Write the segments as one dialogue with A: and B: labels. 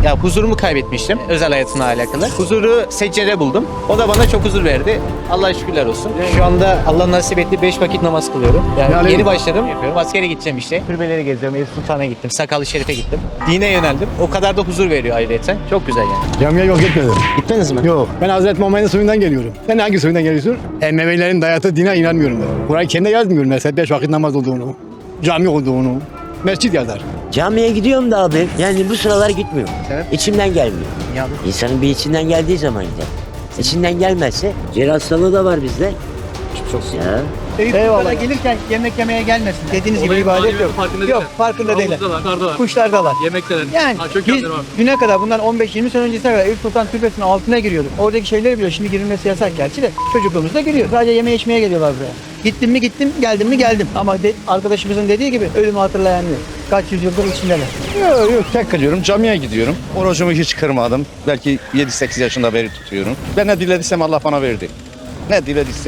A: Ya huzurumu kaybetmiştim özel hayatımla alakalı. Huzuru seccere buldum. O da bana çok huzur verdi. Allah'a şükürler olsun. Şu anda Allah nasip etti 5 vakit namaz kılıyorum. Yani yeni başladım. Yapıyorum. Askere gideceğim işte. Türbeleri geziyorum. Eyüp Sultan'a gittim. Sakallı Şerif'e gittim. Dine yöneldim. O kadar da huzur veriyor ayrıyeten. Çok güzel yani.
B: Camiye yok gitmedim.
A: Gittiniz mi?
B: Yok. Ben Hazreti Muhammed'in soyundan geliyorum. Sen hangi soyundan geliyorsun? Emevilerin dayattığı dine inanmıyorum ben. Kur'an kendi yazmıyorum mesela 5 vakit namaz olduğunu, cami olduğunu. Mescit yazar.
C: Camiye gidiyorum da abi. Yani bu sıralar gitmiyorum.
A: Sebep?
C: İçimden gelmiyor.
A: Ya
C: İnsanın bir içinden geldiği zaman gider. İçinden gelmezse ciğer hastalığı da var bizde. Çok ya.
A: Eyvallah. Gelirken yemek yemeye gelmesin. Dediğiniz gibi ibadet yok. Yok, farkında değiller. Kuşlardalar.
D: Yemekteler.
A: Yani biz düne kadar bundan 15-20 sene öncesine kadar Eyüp Sultan Türbesi'nin altına giriyorduk. Oradaki şeyleri biliyor. Şimdi girilmesi yasak gerçi de çocukluğumuzda giriyor. Sadece yeme içmeye geliyorlar buraya. Gittim mi gittim, geldim mi geldim. Ama arkadaşımızın dediği gibi ölümü hatırlayan yok. Kaç yüzyıldır içindeler.
E: Yok tek kalıyorum. Camiye gidiyorum. Orucumu hiç kırmadım. Belki 7-8 yaşında beri tutuyorum. Ben ne dilediysem Allah bana verdi. Ne dilediysem.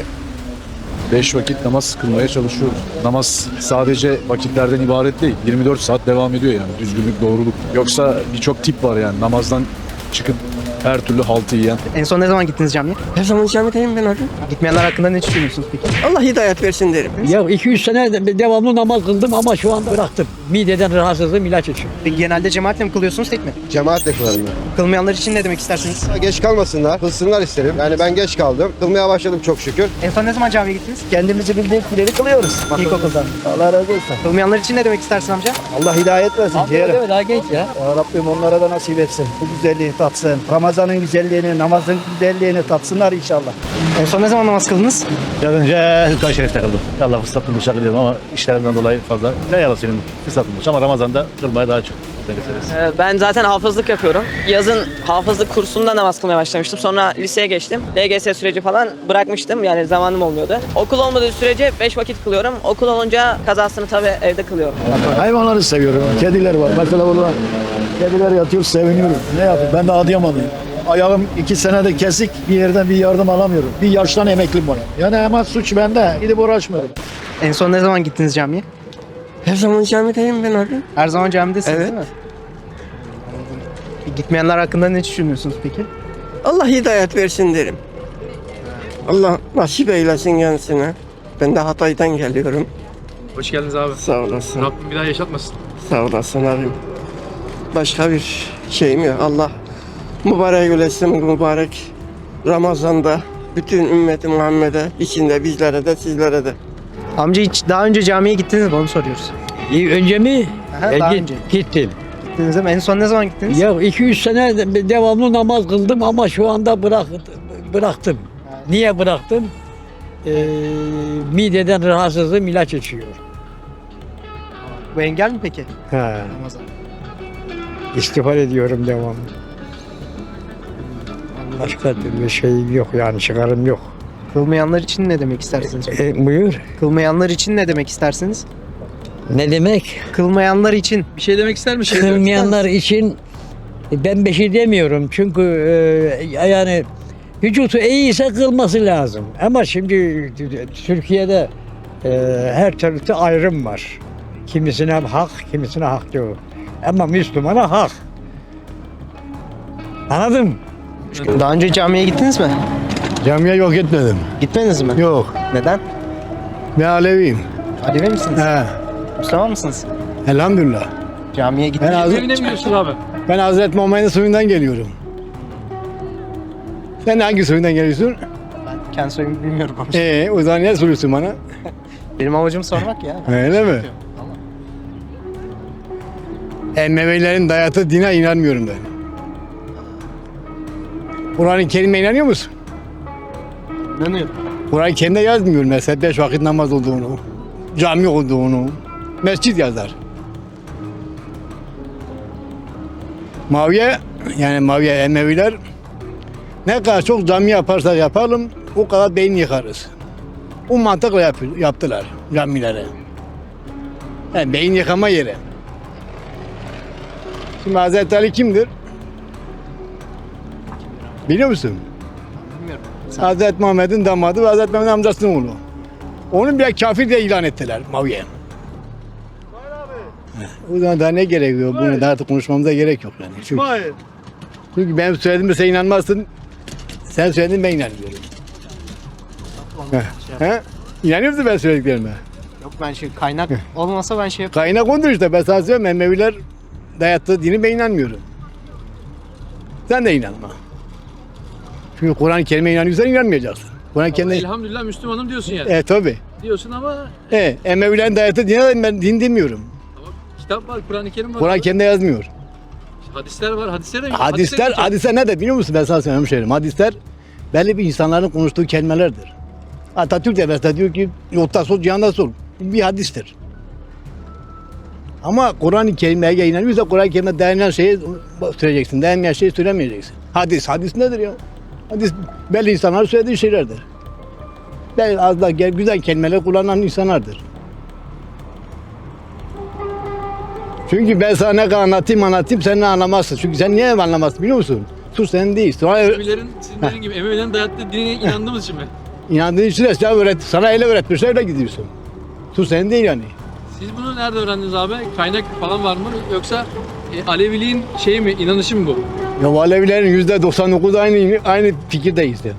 F: 5 vakit namaz kılmaya çalışıyoruz. Namaz sadece vakitlerden ibaret değil. 24 saat devam ediyor yani. Düzgünlük, doğruluk. Yoksa birçok tip var yani. Namazdan çıkıp her türlü haltı yiyen.
A: En son ne zaman gittiniz camiye?
G: Her zaman camideyim ben abi.
A: Gitmeyenler hakkında ne düşünüyorsunuz peki?
G: Allah hidayet versin derim.
H: Ya 200 sene devamlı namaz kıldım ama şu anda bıraktım. Mideden rahatsızlığım ilaç içiyorum.
A: Peki genelde cemaatle mi kılıyorsunuz tek mi?
I: Cemaatle kılarım ben.
A: Kılmayanlar için ne demek istersiniz?
I: Geç kalmasınlar, kılsınlar isterim. Yani ben geç kaldım. Kılmaya başladım çok şükür.
A: En son ne zaman camiye gittiniz?
B: Kendimizi bildiğimiz kılıyoruz.
A: İlkokulda.
B: Allah razı olsun.
A: Kılmayanlar için ne demek istersin amca?
B: Allah hidayet versin.
H: Değil daha genç ya.
B: Ya Rabbim onlara da nasip etsin. Bu güzelliği tatsın. Ramazan'ın güzelliğini, namazın güzelliğini tatsınlar inşallah.
A: En son ne zaman namaz kıldınız?
J: Biraz önce Hülkan Şerif'te kıldım. Allah fırsat bulmuş kılıyorum ama işlerimden dolayı fazla. Ne yalan senin fırsat bulmuş ama Ramazan'da kılmaya daha çok.
G: Ben zaten hafızlık yapıyorum. Yazın hafızlık kursunda namaz kılmaya başlamıştım. Sonra liseye geçtim. LGS süreci falan bırakmıştım. Yani zamanım olmuyordu. Okul olmadığı sürece 5 vakit kılıyorum. Okul olunca kazasını tabii evde kılıyorum.
B: Hayvanları seviyorum. Kediler var. Mesela burada kediler yatıyor, seviniyorum. Ne yapayım? Ben de Adıyamanlıyım. Ayağım 2 senede kesik, bir yerden bir yardım alamıyorum. Bir yaştan emeklim var. Yani hemen suç bende. Gidip uğraşmıyorum.
A: En son ne zaman gittiniz camiye?
G: Her zaman camideyim ben abi.
A: Her zaman camidesiniz
G: Evet.
A: değil mi? Gitmeyenler hakkında ne düşünüyorsunuz peki?
G: Allah hidayet versin derim. Allah nasip eylesin kendisine. Ben de Hatay'dan geliyorum.
D: Hoş geldiniz abi.
G: Sağ olasın.
D: Rabbim bir daha yaşatmasın.
G: Sağ olasın abim. Başka bir şeyim yok. Allah mübarek eylesin mübarek Ramazan'da bütün ümmeti Muhammed'e, içinde bizlere de sizlere de.
A: Amca hiç daha önce camiye gittiniz mi onu soruyoruz.
H: Önce mi?
A: Aha, daha önce.
H: Gittim.
A: Gittiniz değil mi? En son ne zaman gittiniz?
H: Ya 200 sene devamlı namaz kıldım ama şu anda bıraktım. Niye bıraktım? Mideden rahatsızlığım ilaç içiyor.
A: Bu engel mi peki?
H: He.
A: Ramazan.
H: İstiğfar ediyorum devamlı. Başka bir şey yok yani çıkarım yok.
A: Kılmayanlar için ne demek istersiniz?
H: Buyur.
A: Kılmayanlar için ne demek istersiniz?
H: Ne demek?
A: Kılmayanlar için.
D: Bir şey demek ister misin?
H: Kılmayanlar için ben bir şey demiyorum çünkü yani vücutu iyiyse kılması lazım. Ama şimdi Türkiye'de her türlü ayrım var. Kimisine hak, kimisine hak yok. Ama Müslümana hak. Anladın mı?
A: Daha önce camiye gittiniz mi?
B: Camiye yok gitmedim.
A: Gitmediniz mi?
B: Yok.
A: Neden?
B: Ben Aleviyim.
A: Alevi misiniz?
B: He.
A: Müslüman mısınız?
B: Elhamdülillah.
A: Camiye gittiniz.
D: Evine mi gidiyorsun abi?
B: Ben Hazreti Muhammed'in soyundan geliyorum. Sen hangi soyundan geliyorsun?
A: Ben kendi soyumu bilmiyorum ama.
B: O zaman ne soruyorsun bana?
A: Benim amacım sormak ya.
B: Öyle mi? Emevilerin dayattığı dine inanmıyorum ben. Kur'an-ı Kerim'e inanıyor musun?
A: İnanıyorum.
B: Kur'an-ı Kerim'de yazmıyor mesela 5 vakit namaz olduğunu, cami olduğunu, mescit yazar. Maviye Emeviler ne kadar çok cami yaparsak yapalım o kadar beyin yıkarız. O mantıkla yaptılar camilere. Yani beyin yıkama yeri. Şimdi Hazreti Ali kimdir? Biliyor musun?
A: Bilmiyorum.
B: Hazreti Muhammed'in damadı ve Hazreti Muhammed'in amcasının oğlu. Onu bile kafir diye ilan ettiler Maviye. O zaman daha ne gerekiyor? Bunu daha artık konuşmamıza gerek yok yani. Çünkü ben söylediğimde sen inanmazsın. Sen söyledin ben inanmıyorum. He? İnanıyor musun ben söylediklerime?
A: Yok ben kaynak olmasa ben
B: Kaynak ondur işte. Ben sana söylüyorum. Emeviler dayattığı dini ben inanmıyorum. Sen de inanma. Çünkü Kur'an-ı Kerim'e inanıyorsan inanmayacaksın. Kur'an-ı Kerim'e...
D: Elhamdülillah Müslümanım diyorsun yani.
B: Tabi.
D: Diyorsun ama
B: Emevilerin dayattığı dine ben din demiyorum.
D: kitap var, Kur'an-ı Kerim var.
B: Kur'an-ı Kerim'de yazmıyor.
D: Hadisler var.
B: Hadisler ne de biliyor musun? Ben sana söyleyeyim hemşehrim. Hadisler belli bir insanların konuştuğu kelimelerdir. Atatürk de mesela diyor ki yolda sol cihanda sol. Bir hadistir. Ama Kur'an-ı Kerim'e inanıyorsa Kur'an-ı Kerim'e dayanan şeyi söyleyeceksin. Dayanmayan şeyi söylemeyeceksin. Hadis nedir ya? Hadis belli insanlar söylediği şeylerdir. Belli az da güzel kelimeler kullanan insanlardır. Çünkü ben sana ne kadar anlatayım sen ne anlamazsın. Çünkü sen niye anlamazsın biliyor musun? Sus sen değil.
D: Emevilerin, sizin dediğin gibi Emevilerin dayattığı dine inandığımız için mi?
B: İnandığın için de sana öyle öğretmişler öyle gidiyorsun. Sus sen değil yani.
D: Siz bunu nerede öğrendiniz abi? Kaynak falan var mı? Yoksa Aleviliğin şeyi mi, inanışı mı bu?
B: Ya Alevilerin %99 aynı fikirdeyiz yani.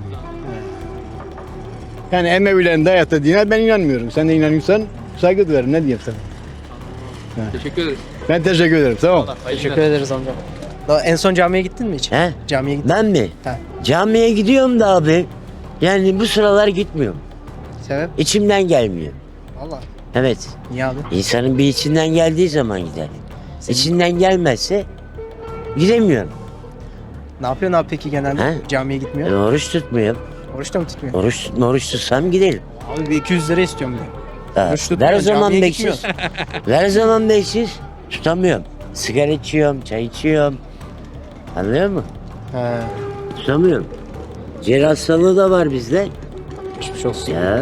B: Yani Emevilerin dayattığı dine ben inanmıyorum. Sen de inanıyorsan saygı duyarım. Ne diyeyim sana?
D: Teşekkür ederim.
B: Ben teşekkür ederim. Tamam.
A: Teşekkür ederiz amca. En son camiye gittin mi hiç?
C: He?
A: Camiye gittin.
C: Ben mi?
A: He.
C: Camiye gidiyorum da abi. Yani bu sıralar gitmiyorum.
A: Sebep?
C: İçimden gelmiyor.
A: Valla.
C: Evet.
A: Niye abi?
C: İnsanın bir içinden geldiği zaman gider. İçinden gelmezse gidemiyorum.
A: Ne yapıyorsun abi peki genelde?
C: He?
A: Camiye
C: Ben
A: gitmiyor.
C: oruç tutmuyorum.
A: Oruç da mı tutmuyor?
C: Oruç tutsam giderim.
A: Abi bir 200 lira istiyorum diyor.
C: Ha,
A: Oruç tutmuyor,
C: ver o zaman
A: camiye
C: 500. Ver o zaman 500. Tutamıyorum. Sigara içiyorum, çay içiyorum. Anlıyor musun?
A: He.
C: Tutamıyorum. Ciğer hastalığı da var bizde.
A: Geçmiş olsun.
C: Ya.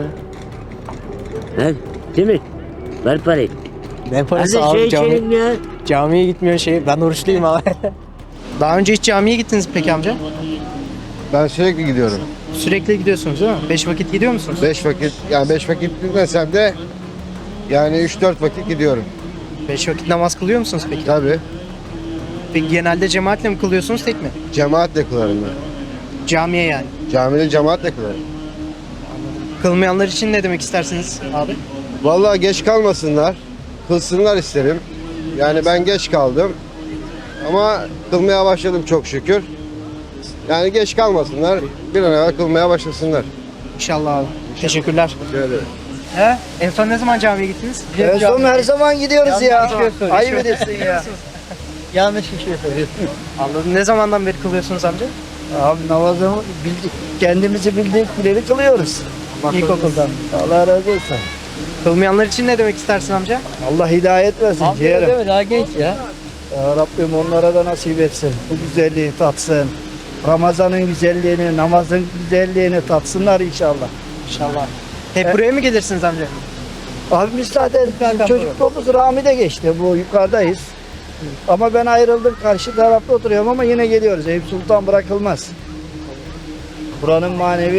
C: Ver, değil mi? Ver parayı.
A: Ne
C: Hadi
A: parası
C: şey
A: abi
C: içelim ya.
A: camiye gitmiyor şey. Ben oruçluyum abi. Daha önce hiç camiye gittiniz mi peki amca?
I: Ben sürekli gidiyorum.
A: Sürekli gidiyorsunuz değil mi? 5 vakit gidiyor musunuz?
I: 5 vakit, yani 5 vakit gitmesem de yani 3-4 vakit gidiyorum.
A: 5 vakit namaz kılıyor musunuz peki?
I: Tabii.
A: Peki genelde cemaatle mi kılıyorsunuz tek mi?
I: Cemaatle kılarım ben.
A: Camiye yani.
I: Camide cemaatle kılarım.
A: Kılmayanlar için ne demek istersiniz abi?
I: Vallahi geç kalmasınlar. Kılsınlar isterim. Yani ben geç kaldım. Ama kılmaya başladım çok şükür. Yani geç kalmasınlar. Bir an evvel kılmaya başlasınlar.
A: İnşallah abi. Teşekkürler.
I: Şöyle.
A: He? En son ne zaman camiye gittiniz?
B: En son her zaman gidiyoruz ya.
A: Ayıp
B: Ayıp ediyorsun ya.
A: Yanlış bir şey söylüyorsun. Anladım. Ne zamandan beri kılıyorsunuz amca?
B: Abi namazımı bildik, kendimizi bildik bileli kılıyoruz.
A: İlkokuldan.
B: Allah razı olsun.
A: Kılmayanlar için ne demek istersin amca?
B: Allah hidayet versin ciğerim.
H: Değil mi? Daha genç ya.
B: Ya Rabbim onlara da nasip etsin. Bu güzelliği tatsın. Ramazan'ın güzelliğini, namazın güzelliğini tatsınlar inşallah.
A: İnşallah. Hep buraya mı gelirsiniz amca?
B: Abi biz zaten çocukluğumuz Rami'de geçti. Bu yukarıdayız. Ama ben ayrıldım. Karşı tarafta oturuyorum ama yine geliyoruz. Eyüp Sultan bırakılmaz. Buranın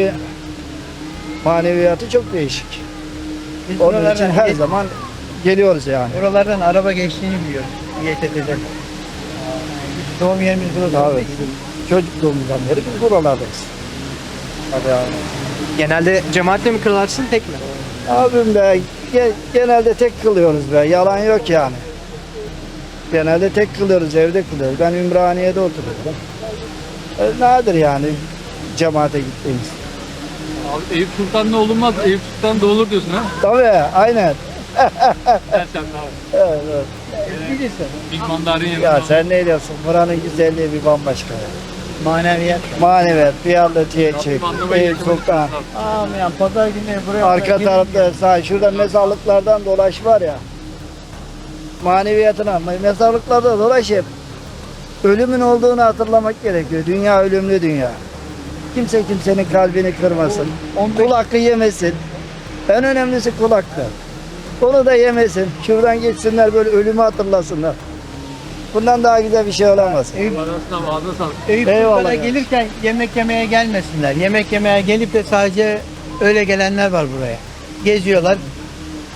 B: maneviyatı çok değişik. Onun için her zaman geliyoruz yani.
H: Buralardan araba geçtiğini biliyorum. YTT'den. Doğum yerimiz burası.
B: Abi, çocukluğumuzdan beri biz buralardayız. Tabii abi.
A: Genelde cemaatle mi kılarsın tek mi?
B: Abim be genelde tek kılıyoruz be. Yalan yok yani. Genelde tek kılıyoruz, evde kılıyoruz. Ben Ümraniye'de oturuyorum. Nadir yani cemaate gittiğimiz.
D: Abi Eyüp Sultan ne olunmaz, Eyüp Sultan da olur diyorsun ha?
B: Tabii aynen.
D: Sen abi.
B: Evet, evet.
D: Big Mandarin yanında.
B: Ya sen ne diyorsun? Buranın güzelliği bir bambaşka.
H: Maneviyat.
B: Maneviyat, Piyarlıcı'ya çık,
D: anlamayı
B: Eyüp Sultan.
H: Aman pazar günü buraya.
B: Arka tarafta sağ, şurada mezarlıklardan dolaş var ya. Maneviyatına, mezarlıklarda dolaş hep. Ölümün olduğunu hatırlamak gerekiyor. Dünya ölümlü dünya. Kimse kimsenin kalbini kırmasın. Kul hakkı yemesin. En önemlisi kul hakkı. Onu da yemesin. Şuradan geçsinler böyle ölümü hatırlasınlar. Bundan daha güzel bir şey olamaz.
D: Ağzına sağlık.
H: Eyüp
B: Eyvallah
H: Sultan'a
B: ya.
H: gelirken yemek yemeye gelmesinler. Yemek yemeye gelip de sadece öyle gelenler var buraya. Geziyorlar.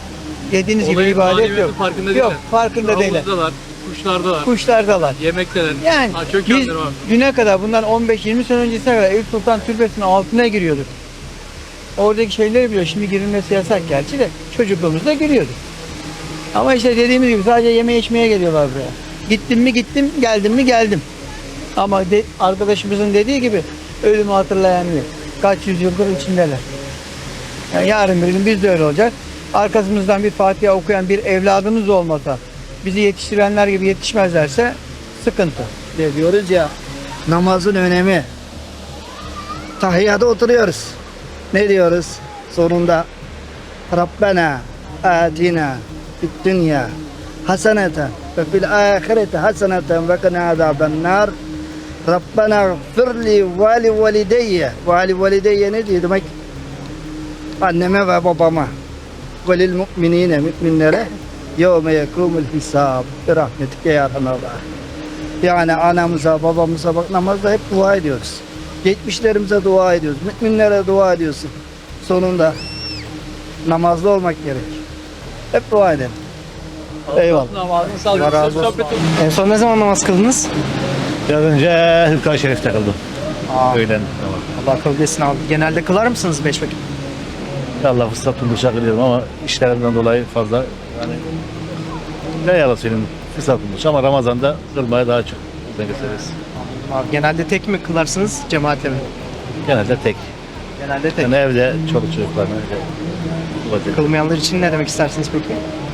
K: dediğiniz gibi
D: Olayın
K: ibadet
D: maneviyatın
K: yok.
D: farkında
K: Yok,
D: değiller.
K: farkında değiller.
D: Havuzdalar, kuşlardalar,
K: Kuşlardalar.
D: yemekteler.
K: Yani
D: Çok
K: biz
D: yandır abi.
K: düne kadar bundan 15-20 sene öncesine kadar Eyüp Sultan Türbesi'nin altına giriyorduk. Oradaki şeyleri biliyor. Şimdi girilmesi yasak gerçi de çocukluğumuzda giriyorduk. Ama işte dediğimiz gibi sadece yeme içmeye geliyorlar buraya. Gittim mi gittim, geldim mi geldim. Ama arkadaşımızın dediği gibi ölümü hatırlayan yok. Kaç yüzyıldır içindeler. Yani yarın bir gün biz de öyle olacak. Arkamızdan bir Fatiha okuyan bir evladımız olmasa, bizi yetiştirenler gibi yetişmezlerse sıkıntı. Diyoruz ya, namazın önemi. Tahiyyada oturuyoruz. Ne diyoruz? Sonunda Rabbena atina fid dünya haseneten ve fil ahireti haseneten ve qina azabennar. Rabbena gfirli ve li valideyye. Ve li valideyye ne diyor demek? Anneme ve babama. Ve lil mu'minine, müminlere yevme yekumul hisab. Bir rahmetike ya Allah. Yani anamıza, babamıza bak namazda hep dua ediyoruz. Geçmişlerimize dua ediyoruz. Müminlere dua ediyorsun. Sonunda namazlı olmak gerek. Hep dua edelim. Eyvallah.
D: Namazını sağlık.
B: Allah razı olsun.
D: Sohbet olsun.
K: En son ne zaman namaz kıldınız?
J: Biraz önce Hırka-i Şerif'te kıldım. Öğlen.
K: Allah kabul etsin abi. Genelde kılar mısınız 5 vakit?
J: Allah fırsat buldukça kılıyorum ama işlerimden dolayı fazla yani ne yalan söyleyeyim fırsat bulmuş ama Ramazan'da kılmaya daha çok özen gösteririz.
K: Abi, genelde tek mi kılarsınız, cemaatle mi?
J: Genelde tek.
K: Genelde tek.
J: Yani evde çoluk çocuklarla öyle.
K: Kılmayanlar için ne demek istersiniz peki?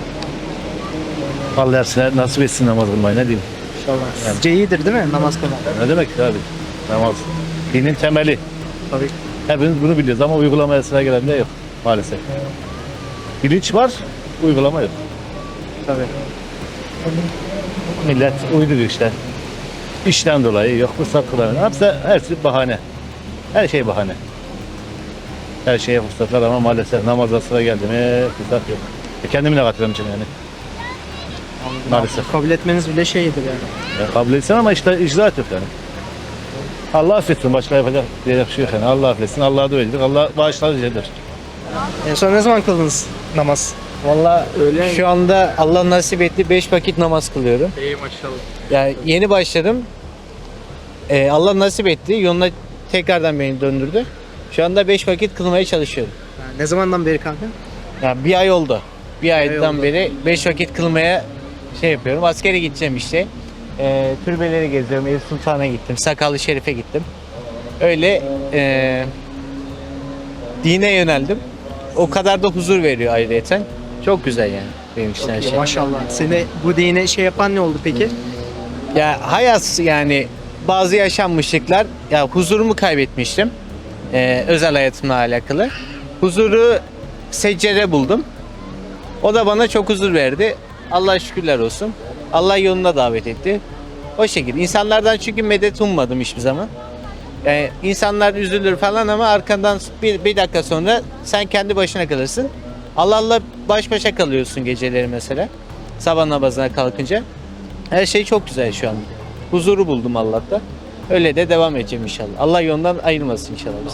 J: Allah hepsine nasip etsin namaz kılmayı ne diyeyim.
K: İnşallah. Sizce iyidir değil mi namaz kılmak?
J: Ne demek ki abi? Namaz. Dinin temeli.
K: Tabii.
J: Hepimiz bunu biliyoruz ama uygulamaya sıra gelen de yok maalesef. Bilinç var, uygulama yok.
K: Tabii.
J: Millet uyduruyor işte. İşten dolayı yok, fırsat kılamıyor. Hepsi bahane. Her şey bahane. Her şeye fırsatlar ama maalesef namaza sıra geldi mi fırsat yok. Kendimi de katılıyorum için yani. Maalesef.
K: Kabul etmeniz bile şeydir yani.
J: Ya, kabul etsin ama işte icraat yok yani. Allah affetsin, başka yapacak diyecek bir şey yok yani. Allah affetsin, Allah'a dua edilir, Allah bağışlar diyecektir.
K: En son ne zaman kıldınız namaz?
A: Valla şu anda Allah nasip etti 5 vakit namaz kılıyorum.
D: İyi maşallah.
A: Yani yeni başladım. Allah nasip etti. Yoluna tekrardan beni döndürdü. Şu anda 5 vakit kılmaya çalışıyorum.
K: Ne zamandan beri kanka?
A: Yani bir ay oldu. Bir aydan
K: oldu.
A: beri 5 vakit kılmaya şey yapıyorum. Askere gideceğim işte. Türbeleri geziyorum. Eyüp Sultan'a gittim. Sakallı Şerif'e gittim. Öyle dine yöneldim. O kadar da huzur veriyor ayrıyeten. Çok güzel yani benim için her şey.
K: Maşallah. Seni bu dine şey yapan ne oldu peki?
A: Ya hayat yani bazı yaşanmışlıklar ya huzurumu kaybetmiştim. Özel hayatımla alakalı. Huzuru seccere buldum. O da bana çok huzur verdi. Allah'a şükürler olsun. Allah yoluna davet etti. O şekilde. İnsanlardan çünkü medet ummadım hiçbir zaman. Yani insanlar üzülür falan ama arkandan bir dakika sonra sen kendi başına kalırsın. Allah'la baş başa kalıyorsun geceleri mesela. Sabah namazına kalkınca. Her şey çok güzel şu an. Huzuru buldum Allah'ta. Öyle de devam edeceğim inşallah. Allah yolundan ayırmasın inşallah bizi.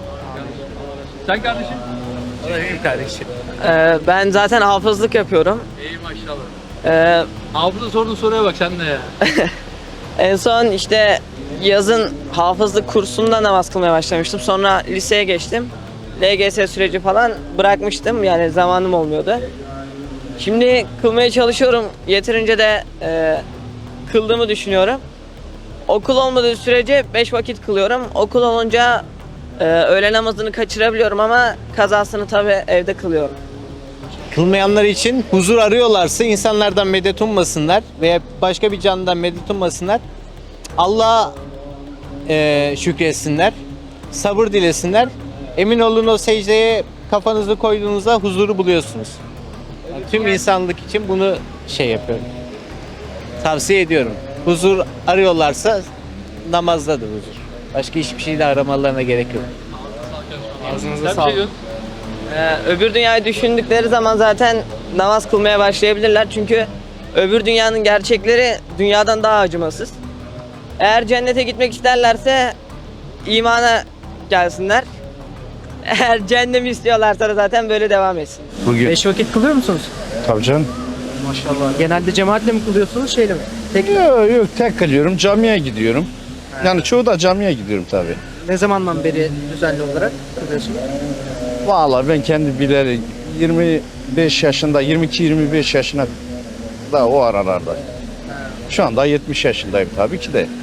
D: Sen kardeşim?
A: Benim kardeşim.
G: Ben zaten hafızlık yapıyorum.
D: İyi maşallah. Hafıza sorduğun soruya bak sen de ya.
G: En son işte yazın hafızlık kursunda namaz kılmaya başlamıştım. Sonra liseye geçtim. LGS süreci falan bırakmıştım. Yani zamanım olmuyordu. Şimdi kılmaya çalışıyorum. Yeterince de kıldığımı düşünüyorum. Okul olmadığı sürece 5 vakit kılıyorum. Okul olunca öğle namazını kaçırabiliyorum ama kazasını tabii evde kılıyorum.
A: Kılmayanlar için huzur arıyorlarsa insanlardan medet ummasınlar veya başka bir canlıdan medet ummasınlar. Allah'a şükretsinler, sabır dilesinler. Emin olun o secdeye kafanızı koyduğunuzda huzuru buluyorsunuz. Yani tüm insanlık için bunu şey yapıyorum. Tavsiye ediyorum. Huzur arıyorlarsa namazdadır huzur. Başka hiçbir şey de aramalarına gerek yok.
D: Ağzınıza sağlık.
G: Öbür dünyayı düşündükleri zaman zaten namaz kılmaya başlayabilirler. Çünkü öbür dünyanın gerçekleri dünyadan daha acımasız. Eğer cennete gitmek isterlerse imana gelsinler. Eğer cehennemi istiyorlarsa da zaten böyle devam etsin.
E: Bugün
K: 5 vakit kılıyor musunuz?
E: tabii canım.
K: Maşallah. Genelde cemaatle mi kılıyorsunuz şeyle mi? Tek
E: Yok tek kılıyorum, camiye gidiyorum. Yani çoğu da camiye gidiyorum tabii.
K: ne zamandan beri düzenli olarak kılıyorsunuz?
E: Vallahi ben kendi bileli 25 yaşında, 22-25 yaşına da o aralarda. Şu anda 70 yaşındayım tabii ki de.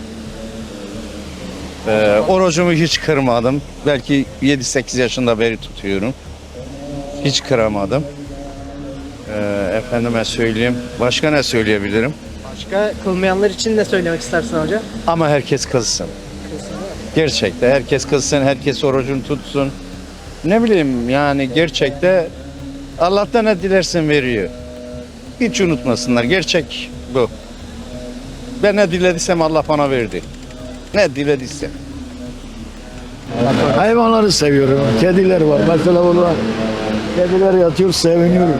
E: Orucumu hiç kırmadım. Belki 7-8 yaşında beri tutuyorum. Hiç kıramadım. Efendime söyleyeyim. Başka ne söyleyebilirim?
K: Başka kılmayanlar için ne söylemek istersin hocam?
E: Ama herkes kılsın. Gerçekte herkes kılsın, herkes orucunu tutsun. Ne bileyim yani gerçekte Allah'tan ne dilersen veriyor. Hiç unutmasınlar. Gerçek bu. Ben ne dilediysem Allah bana verdi. Ne dilediysem.
B: Hayvanları seviyorum. Kediler var. Mesela burada kediler yatıyor, seviniyorum.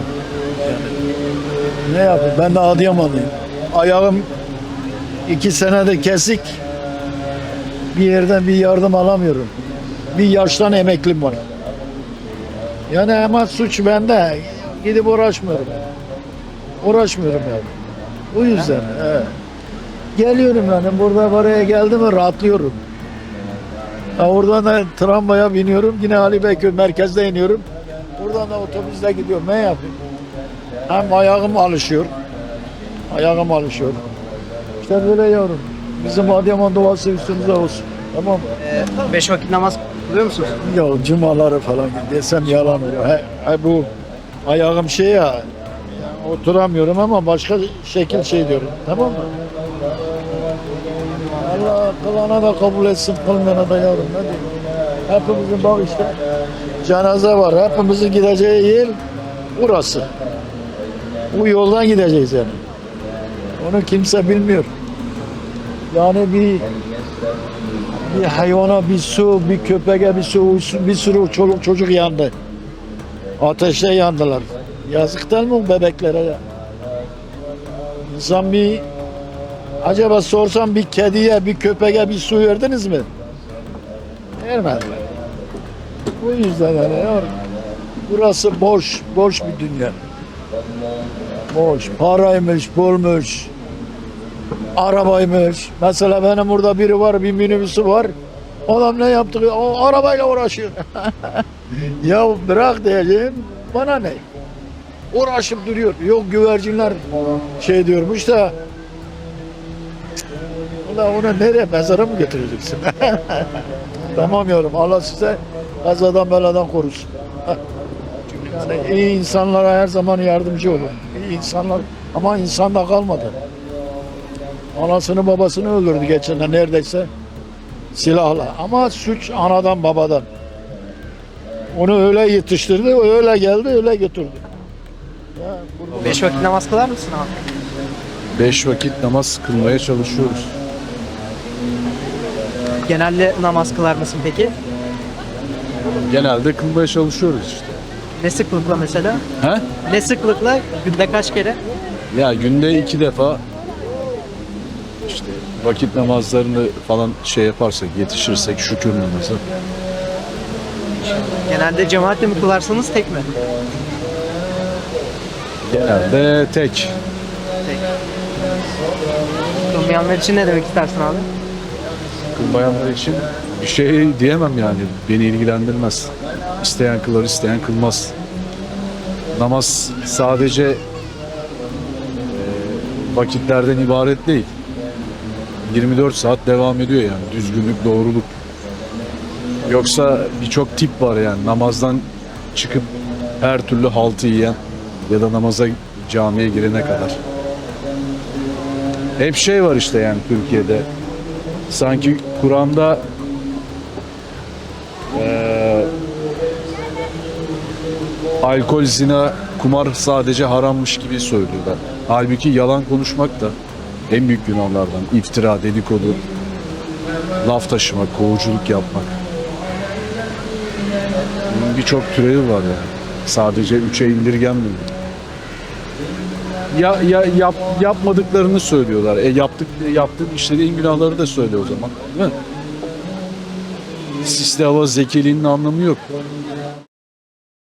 B: Ne yapayım? Ben de Adıyamanlıyım. Ayağım 2 senede kesik. Bir yerden bir yardım alamıyorum. Bir yaştan emeklim var. Yani ama suç bende. Gidip uğraşmıyorum. Uğraşmıyorum yani. O yüzden. Evet. Geliyorum yani. Burada buraya geldim mi rahatlıyorum. Oradan da tramvaya biniyorum. Yine Ali Beyköy merkezde iniyorum. Buradan da otobüsle gidiyorum. Ne yapayım? Hem ayağım alışıyor. Ayağım alışıyor. İşte böyle yavrum. Bizim Adıyaman doğası üstümüze olsun. Tamam mı?
K: 5 vakit namaz kılıyor musunuz?
B: Ya cumaları falan desem yalan olur. Bu ayağım şey ya, yani oturamıyorum ama başka şekil şey diyorum. Tamam mı? Allah kılana da kabul etsin, kılmayana da yavrum. Ne diyeyim? Hepimizin bak işte cenaze var. Hepimizin gideceği yer burası. Bu yoldan gideceğiz yani. Onu kimse bilmiyor. Yani bir hayvana bir su, bir köpeğe bir su, bir sürü çoluk çocuk yandı. Ateşte yandılar. Yazık değil mi bu bebeklere ya? İnsan acaba sorsam bir kediye, bir köpeğe bir su verdiniz mi? Vermediler. Bu yüzden yani ya, burası boş bir dünya. Boş, paraymış, pulmuş, arabaymış. Mesela benim burada biri var, bir minibüsü var. Adam ne yaptı? O arabayla uğraşıyor. Ya bırak diyeceğim, bana ne? Uğraşıp duruyor. Yok güvercinler şey diyormuş da. Ulan onu nereye, mezara mı götüreceksin? Tamam yavrum, Allah size kazadan beladan korusun. Yani iyi insanlara her zaman yardımcı olun. İyi insanlar, ama insan da kalmadı. Anasını babasını öldürdü geçen neredeyse silahla. Ama suç anadan babadan. Onu öyle yetiştirdi, öyle geldi, öyle götürdü.
K: 5 vakit namaz kılar mısın abi?
F: 5 vakit namaz kılmaya çalışıyoruz.
K: Genelde namaz kılar mısın peki?
F: Genelde kılmaya çalışıyoruz işte.
K: Ne sıklıkla mesela?
F: He?
K: Ne sıklıkla? Günde kaç kere?
F: Ya günde 2 defa işte vakit namazlarını falan şey yaparsak, yetişirsek şükür namazı.
K: Genelde cemaatle mi kılarsınız tek mi?
F: Genelde tek.
K: Kılmayanlar için ne demek istersin abi?
F: Kılmayanlar için bir şey diyemem yani. Beni ilgilendirmez. İsteyen kılar, isteyen kılmaz. Namaz sadece vakitlerden ibaret değil. 24 saat devam ediyor yani. Düzgünlük, doğruluk. Yoksa birçok tip var yani. Namazdan çıkıp her türlü haltı yiyen ya da namaza, camiye girene kadar. Hep şey var işte yani Türkiye'de. Sanki Kur'an'da alkol, zina, kumar sadece harammış gibi söylüyorlar. Halbuki yalan konuşmak da en büyük günahlardan. İftira, dedikodu, laf taşımak, kovuculuk yapmak. Bunun birçok türevi var yani. Sadece 3'e indirgenmiyor. Yapmadıklarını söylüyorlar. Yaptığın işlediğin günahları da söyle o zaman. Değil mi? Sisli hava zekiliğinin anlamı yok.